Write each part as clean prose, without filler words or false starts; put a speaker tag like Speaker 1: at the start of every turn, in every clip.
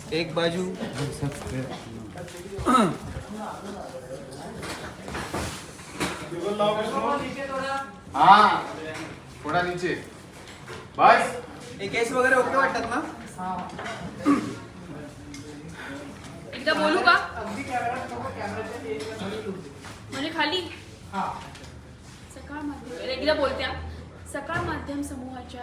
Speaker 1: एक बाजू
Speaker 2: हाँ थोड़ा नीचे बस.
Speaker 1: हे केस वगैरे ओके वाटतात ना?
Speaker 3: एकदा बोलू का म्हणजे खाली एकदा बोलत्या. सकाळ माध्यम समूहाच्या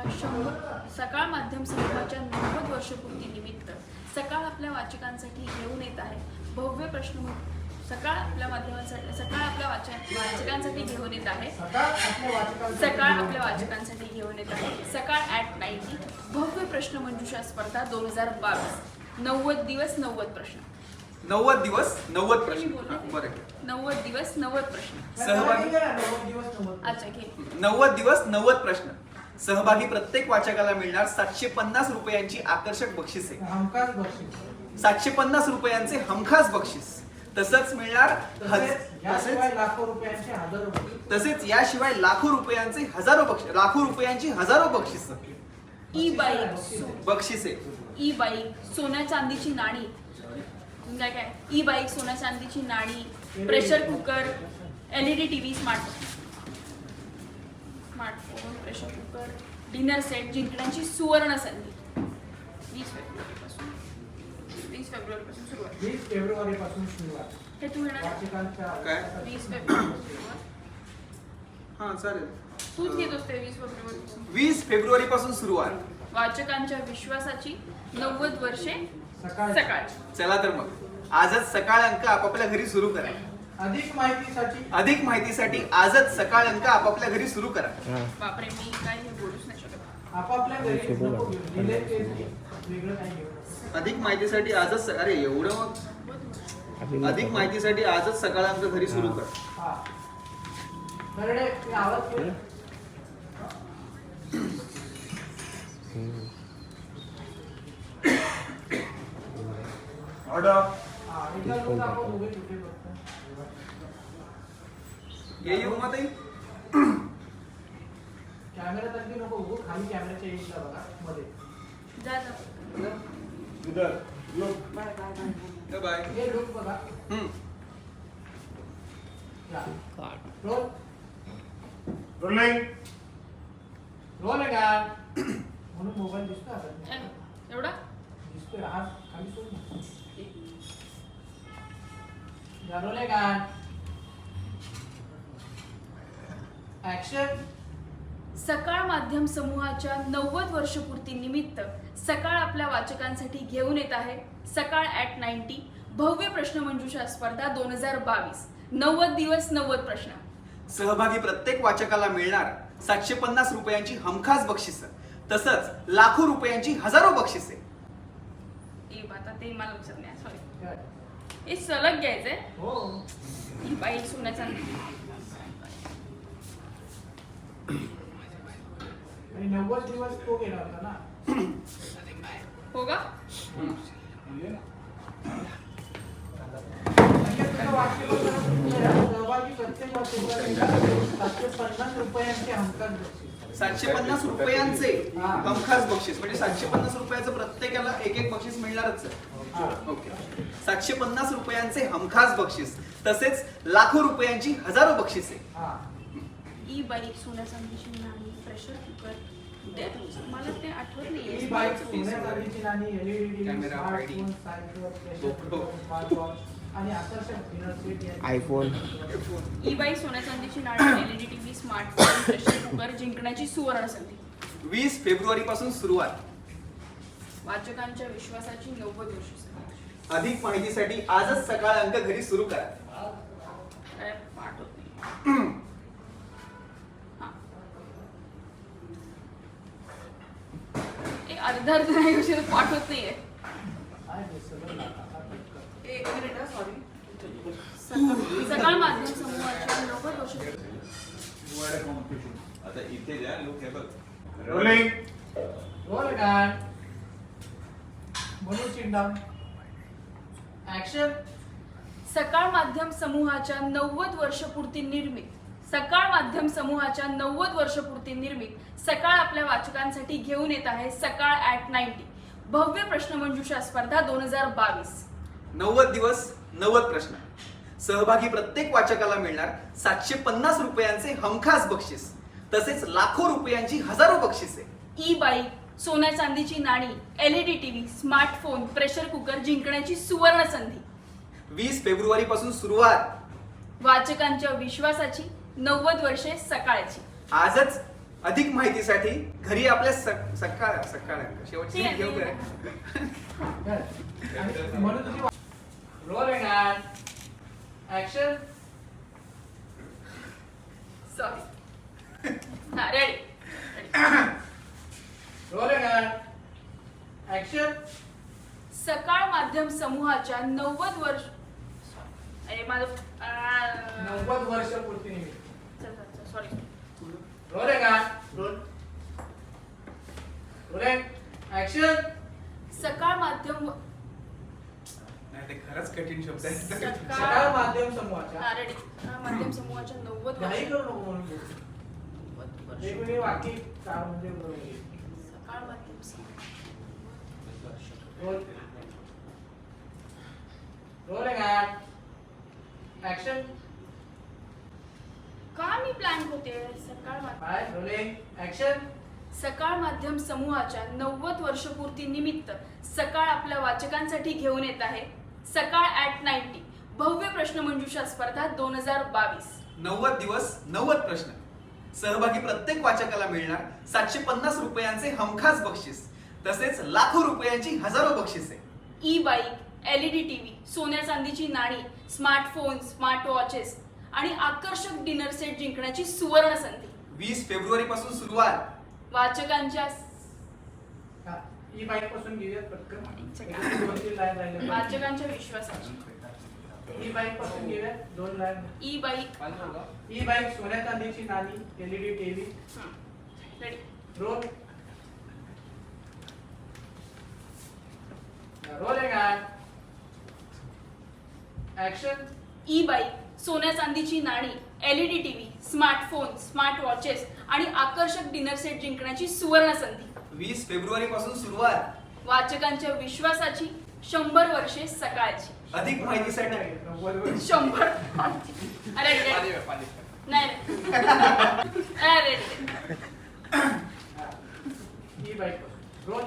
Speaker 3: 90 वर्षपूर्ती निमित्त सकाळ आपल्या वाचकांसाठी घेऊन येत आहे भव्य प्रश्न. सकाळ आपल्या वाचकांसाठी घेऊन येत आहे. सकाळ @90 भव्य प्रश्न मंजुषा स्पर्धा 2022. 90 दिवस 90 प्रश्न.
Speaker 1: 90 दिवस 90 प्रश्न. बरं
Speaker 3: 90 दिवस 90 प्रश्न.
Speaker 1: सहभागी
Speaker 3: अच्छा घे.
Speaker 1: 90 दिवस 90 प्रश्न. सहभागी प्रत्येक वाचकाला मिळणार 750 रुपयांची आकर्षक बक्षिसे. 750 रुपयांचे हमखास बक्षीस. तसंच मिळणार तसेच याशिवाय लाखो रुपयांची हजारो बक्षीस
Speaker 3: ई बाईक
Speaker 1: बक्षिसे.
Speaker 3: ई बाईक सोन्या चांदीची नाणी. काय ई बाईक सोन्या चांदीची नाणी, pressure cooker, LED TV, smartphone, pressure cooker, dinner set जिंकण्याची सुवर्ण संधी. 20 फेब्रुवारीपासून सुरुवात.
Speaker 4: 20 फेब्रुवारीपासून सुरुवात.
Speaker 3: हे तू येणार
Speaker 1: काय?
Speaker 3: 20 फेब्रुवारी सुरुवात.
Speaker 1: हा चालेल.
Speaker 3: तूच घेतोस ते 20 फेब्रुवारीपासून.
Speaker 1: 20 फेब्रुवारीपासून सुरुवात.
Speaker 3: वाचकांच्या विश्वासाची 90 वर्षे सकाळ.
Speaker 1: चला तर मग आजच सकाळ अंक आपापल्या घरी सुरू करा.
Speaker 4: अधिक माहितीसाठी
Speaker 1: आजच सकाळ अंक आपापल्या घरी सुरू करा.
Speaker 3: बापरे मी काय हे बोलूच नाही शकत.
Speaker 4: आपापल्या घरी नको घेऊ. दिले ते वेगळं नाही घेऊ.
Speaker 1: अधिक माहितीसाठी आजच अरे एवढं मग अधिक माहितीसाठी आजच सकाळ अंक घरी सुरू कर.
Speaker 4: हा बरडे मी आवाज केला.
Speaker 2: ऑर्डर.
Speaker 4: हा एकदा लोक आपण उभे कुठे बघतो.
Speaker 1: ये येऊ मग ताई.
Speaker 4: कॅमेरा तरी नको उभं. खाली कॅमेराच्या एजला बघा मध्ये.
Speaker 3: जा जा.
Speaker 2: इधर लोग.
Speaker 1: बाय.
Speaker 4: हे लोक बघा. या. रोल.
Speaker 2: रोलिंग.
Speaker 4: रोल आहे का म्हणून मोबाईल दिसतो आता.
Speaker 3: एवढा
Speaker 4: दिसतोय हात खाली सोड. या रोल आहे का. ऍक्शन.
Speaker 3: सकाळ माध्यम समूहाच्या 90 वर्षपूर्ती निमित्त सकाळ आपल्या वाचकांसाठी घेऊन येत आहे सकाळ @90 भव्य प्रश्न मंजुषा स्पर्धा 2022. 90 दिवस 90 प्रश्न.
Speaker 1: सहभागी प्रत्येक वाचकाला मिळणार 750 रुपयांची हमखास बक्षीस. तसंच लाखो रुपयांची हजारो बक्षिसे.
Speaker 3: आता ते मला लक्षात नाही. सॉरी हे सलग घ्यायचंय.
Speaker 4: हो
Speaker 3: ही बाई सोन्याचा
Speaker 4: आणि 90 दिवस तो गेला होता ना.
Speaker 3: हो का.
Speaker 4: सहभागी प्रत्येक वाचकाला 750 रुपयांचे हमखास बक्षीस.
Speaker 1: 750 रुपयांचे हमखास बक्षीस म्हणजे 750 रुपयाचं प्रत्येकाला एक बक्षीस मिळणारच आहे. ओके. 750 रुपयांचे हमखास बक्षीस तसेच लाखो रुपयांची हजारो बक्षिसे.
Speaker 3: ई बाईक सोन्या चांदीची नाणी, प्रेशर कुकर. मला ते आठवत नाही.
Speaker 4: ही बाईक सोन्या चांदीची नाणी, LED
Speaker 1: camera,
Speaker 4: smartphone, cycle, pressure cooker, smartwatch आणि आकर्षक dinner set.
Speaker 5: IPhone.
Speaker 3: E bike सोन्या चांदीची नाणी, LED TV, smartphone, pressure cooker जिंकण्याची सुवर्ण संधी.
Speaker 1: 20 फेब्रुवारीपासून सुरुवात.
Speaker 3: वाचकांच्या विश्वासाची 90 वर्षे.
Speaker 1: अधिक माहितीसाठी आजच सकाळ अंक घरी सुरू करा.
Speaker 3: काय पाठ होत नाही. अर्धा नाही उशीर पाठ होत नाहीये. एक मिनिट सॉरी. सकाळ माध्यम समूहाच्या 90 वर्षे.
Speaker 2: आता इथे द्या लोक हे बघ. रोलिंग.
Speaker 4: Roll guard. म्हणून चिंडाम. ऍक्शन.
Speaker 3: सकाळ माध्यम समूहाच्या 90 वर्षपूर्ती निर्मित सकाळ आपल्या वाचकांसाठी घेऊन येत आहे सकाळ @90 भव्य प्रश्नमंजुषा स्पर्धा 2022.
Speaker 1: 90 दिवस 90 प्रश्न. सहभागी प्रत्येक वाचकाला मिळणार 750 रुपयांचे हमखास बक्षीस तसेच लाखो रुपयांची हजारो बक्षिसे.
Speaker 3: ई बाईक, सोन्या चांदीची नाणी, LED TV, smartphone, pressure cooker जिंकण्याची सुवर्ण संधी.
Speaker 1: 20 फेब्रुवारी पासून सुरुवात.
Speaker 3: वाचकांच्या विश्वासाची 90 वर्षे सकाळची.
Speaker 1: आजच. अधिक माहितीसाठी घरी आपल्या सकाळ शेवटची
Speaker 3: ठीक आहे,
Speaker 1: घेऊ
Speaker 3: ठीक
Speaker 1: काय?
Speaker 4: आणि म्हणून तुझी रोलिंग अँड ऍक्शन.
Speaker 3: सॉरी. हा ready.
Speaker 4: Rolling and action.
Speaker 3: Sakal माध्यम समूहाच्या 90 वर्ष अरे माझं
Speaker 4: 90 वर्ष पूर्ती निमित्त.
Speaker 3: Sorry.
Speaker 4: Rolling and rolling action.
Speaker 3: Sakal माध्यम
Speaker 1: नाही, ते खरंच कठीण शब्द आहे.
Speaker 4: सकाळ माध्यम समूहाच्या
Speaker 3: रेडी. माध्यम समूहाच्या 90
Speaker 4: घाई
Speaker 3: वर्ष.
Speaker 4: करू नको म्हणून बोल.
Speaker 3: 90 वर्ष.
Speaker 4: वेगवेगळी वाक्य का म्हणजे
Speaker 3: सकाळ माध्यम समूह.
Speaker 4: Rolling and action.
Speaker 3: का मी प्लॅन होते सकाळ माध्यम.
Speaker 4: Bye rolling action.
Speaker 3: सकाळ माध्यम समूहाच्या 90 वर्षपूर्ती निमित्त सकाळ आपल्या वाचकांसाठी घेऊन येत आहे सकाळ @90 भव्य प्रश्नमंजुषा स्पर्धा 2022.
Speaker 1: 90 दिवस 90 प्रश्न. सहभागी प्रत्येक वाचकाला मिळणार 750 रुपयांचे हमखास बक्षीस तसेच लाखो रुपयांची हजारो बक्षिसे.
Speaker 3: ई बाईक, LED टीव्ही, सोन्या चांदीची नाणी, स्मार्टफोन, स्मार्ट वॉचेस आणि आकर्षक डिनर सेट जिंकण्याची सुवर्ण संधी.
Speaker 1: 20 फेब्रुवारी पासून सुरुवात.
Speaker 3: वाचकांच्या
Speaker 4: ई बाईक पासून घेऊयात पटकन. 2-3 लाईन राहिले.
Speaker 3: वाचकांच्या विश्वासाची.
Speaker 4: ई बाईक पासून घेऊयात 2 line.
Speaker 3: E bike.
Speaker 4: E bike, सोन्या चांदीची नाणी, LED TV.
Speaker 3: Ready.
Speaker 4: Roll. Rolling and action.
Speaker 3: E bike, सोन्या चांदीची नाणी, LED TV, smartphone, smart watches आणि आकर्षक डिनर सेट जिंकण्याची सुवर्ण संधी.
Speaker 1: 20 फेब्रुवारी पासून सुरुवात.
Speaker 3: वाचकांच्या विश्वासाची 100 वर्षे सकाळची.
Speaker 1: अधिक माहितीसाठी
Speaker 3: 100. अरे नाही अरे
Speaker 4: E bike roll.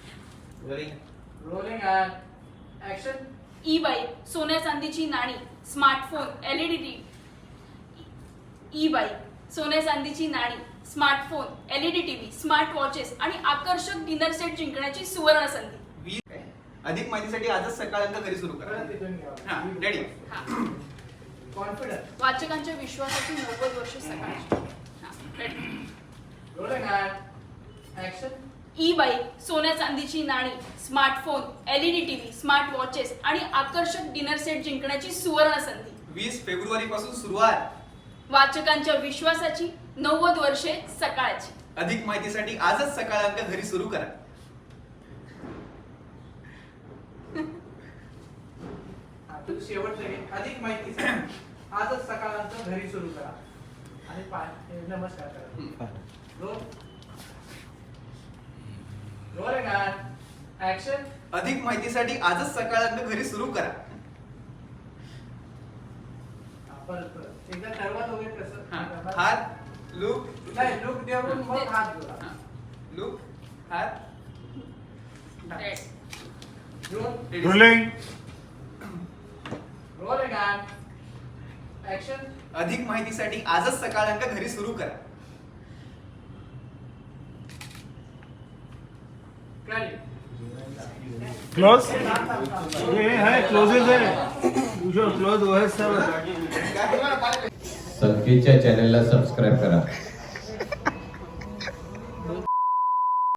Speaker 4: Rolling and action.
Speaker 3: E bike, सोन्या चांदीची नाणी, smartphone, LED TV. E bike, सोन्या चांदीची नाणी, smartphone, LED TV, smart watches आणि आकर्षक डिनर सेट जिंकण्याची सुवर्ण संधी.
Speaker 1: 20. अधिक माहितीसाठी आजच सकाळ अंक घरी सुरू करा.
Speaker 4: परत तिथून घ्या.
Speaker 1: हा, ready.
Speaker 4: कॉन्फिडन्स.
Speaker 3: वाचकांच्या विश्वासाची 90 वर्ष सकाळची. हा, ready.
Speaker 4: Rolling and action.
Speaker 3: E bike, सोन्या चांदीची नाणी, smartphone, LED TV, smart watches आणि आकर्षक डिनर सेट जिंकण्याची सुवर्ण संधी.
Speaker 1: 20 फेब्रुवारी पासून सुरुवात.
Speaker 3: वाचकांच्या विश्वासाची 90 वर्षे सकाळची.
Speaker 1: अधिक माहितीसाठी आजच सकाळ अंक घरी सुरू करा.
Speaker 4: शेवटचं आहे. अधिक माहितीसाठी आजच सकाळचं घरी सुरू करा आणि नमस्कार करा. रोल. Rolling and action.
Speaker 1: अधिक माहितीसाठी आजच सकाळ अंक घरी सुरू करा.
Speaker 4: परत एकदा ठरवा दोघे कसं.
Speaker 1: हात लुक
Speaker 4: नाही लुक देऊन मग हात जोडा.
Speaker 1: लुक हात.
Speaker 3: Ready.
Speaker 2: Rolling.
Speaker 4: Rolling and action.
Speaker 1: अधिक माहितीसाठी आजच सकाळ अंक घरी सुरू करा.
Speaker 2: क्लोज. ये है क्लोजेस है. जो क्लोज वो है सब.
Speaker 5: सदगीरच्या चॅनलला सबस्क्राईब करा.